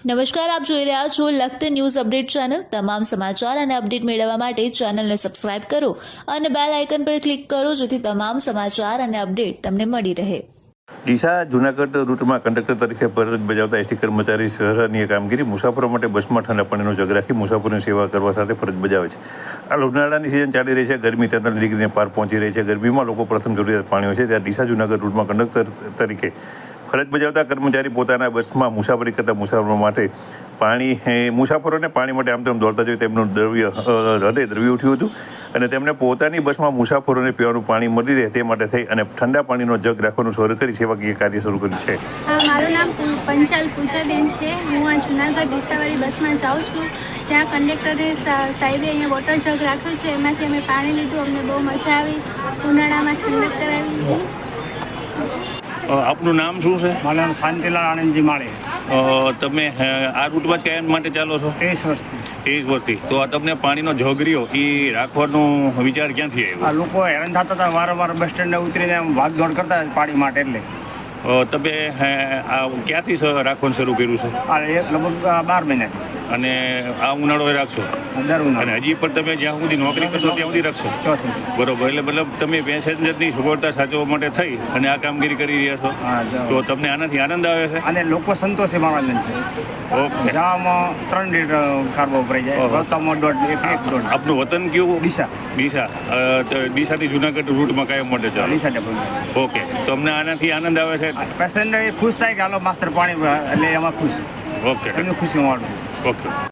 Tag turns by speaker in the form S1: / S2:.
S1: નમસ્કાર, આપ જોઈ રહ્યા છો લખત ન્યૂઝ અપડેટ ચેનલ। તમામ સમાચાર અને અપડેટ મેળવવા માટે ચેનલને સબસ્ક્રાઇબ કરો અને બેલ આઇકન પર ક્લિક કરો જેથી તમામ સમાચાર અને અપડેટ તમને મળી રહે।
S2: ડીસા જૂનાગઢ રૂટમાં કંડક્ટર તરીકે ફરજ બજાવતા એસટી કર્મચારી સરાહનીય કામગીરી। મુસાફરો માટે બસમાં ઠંડા પાણીનો જગ રાખી મુસાફરોની સેવા કરવા સાથે ફરજ બજાવે છે। આ ઉનાળાની સિઝન ચાલી રહી છે, ગરમી 43 ડિગ્રીને પાર પહોંચી રહી છે। ગરમીમાં લોકો પ્રથમ જરૂરિયાત પાણી હોય છે, ત્યારે ડીસા જૂનાગઢ રૂટમાં કંડક્ટર તરીકે ફરજ બજાવતા કર્મચારી પોતાના બસમાં મુસાફરી કરતા મુસાફરો માટે મુસાફરોને પાણી માટે આમ તેમ દોડતા જોઈ તેમનું હૃદય દ્રવી ઉઠ્યું હતું અને તેમણે પોતાની બસમાં મુસાફરોને પીવાનું પાણી મળી રહે તે માટે થઈ અને ઠંડા પાણીનો જગ રાખવાનું શરૂ કરી સેવાકીય કાર્ય શરૂ કર્યું છે।
S3: મારું નામ પંચાલ પૂજાબેન છે। હું આ જૂનાગઢ ડીસાવાળી બસમાં જાઉં છું। ત્યાં કંડક્ટરે સાહેબે અહીંયા વોટર જગ રાખ્યું છે, એમાંથી અમે પાણી લીધું, અમને બહુ મજા આવી। ઉનાળામાં ઠંડક કરાવી।
S2: આપનું નામ શું છે?
S4: મારું નામ શાંતિલાલ આનંદજી માળે।
S2: તમે આ રૂટમાં જ કાયમ માટે ચાલો છો?
S4: 30 વર્ષથી।
S2: 30 વર્ષથી। તો આ તમને પાણીનો જગ રહ્યો એ રાખવાનો વિચાર ક્યાંથી આવ્યો?
S4: આ લોકો હેરાન થતા હતા, વારંવાર બસ સ્ટેન્ડે ઉતરીને ભાગદોડ કરતા પાણી માટે, એટલે
S2: તમે આ ક્યાંથી રાખવાનું શરૂ કર્યું છે?
S4: આ લગભગ 12 મહિનાથી।
S2: અને આ ઉનાળો રાખશો?
S4: દર
S2: અને
S4: ઉનાળે
S2: હજી પણ તમે જ્યાં સુધી નોકરી કરશો ત્યાં સુધી રાખશો?
S4: ચોથી।
S2: બરોબર, એટલે મતલબ તમે પેસેન્જરની સગવડતા સાચવવા માટે થઈ અને આ કામગીરી કરી રહ્યા છો,
S4: હા,
S2: તો તમને આનાથી આનંદ આવે છે?
S4: અને લોકો સંતોષે માણસ છે।
S2: ઓકે।
S4: જવામાં 3 લીટર કાર્બો વપરાઈ જાય,
S2: ઓહો।
S4: વળતામાં 1.5
S2: આપનું વતન કયું?
S4: ડીસા।
S2: ડીસા। ડીસાથી જુનાગઢ રૂટમાં કાયમ માટે ચાલો?
S4: ડીસા ડબલ।
S2: ઓકે, તો અમને આનાથી આનંદ આવે છે?
S4: પેસેન્જર ખુશ થાય કે હાલો માસ્તર પાણી, એટલે એમાં ખુશ,
S2: ઓકે
S4: એમની ખુશી માણું છે।
S2: ઓકે।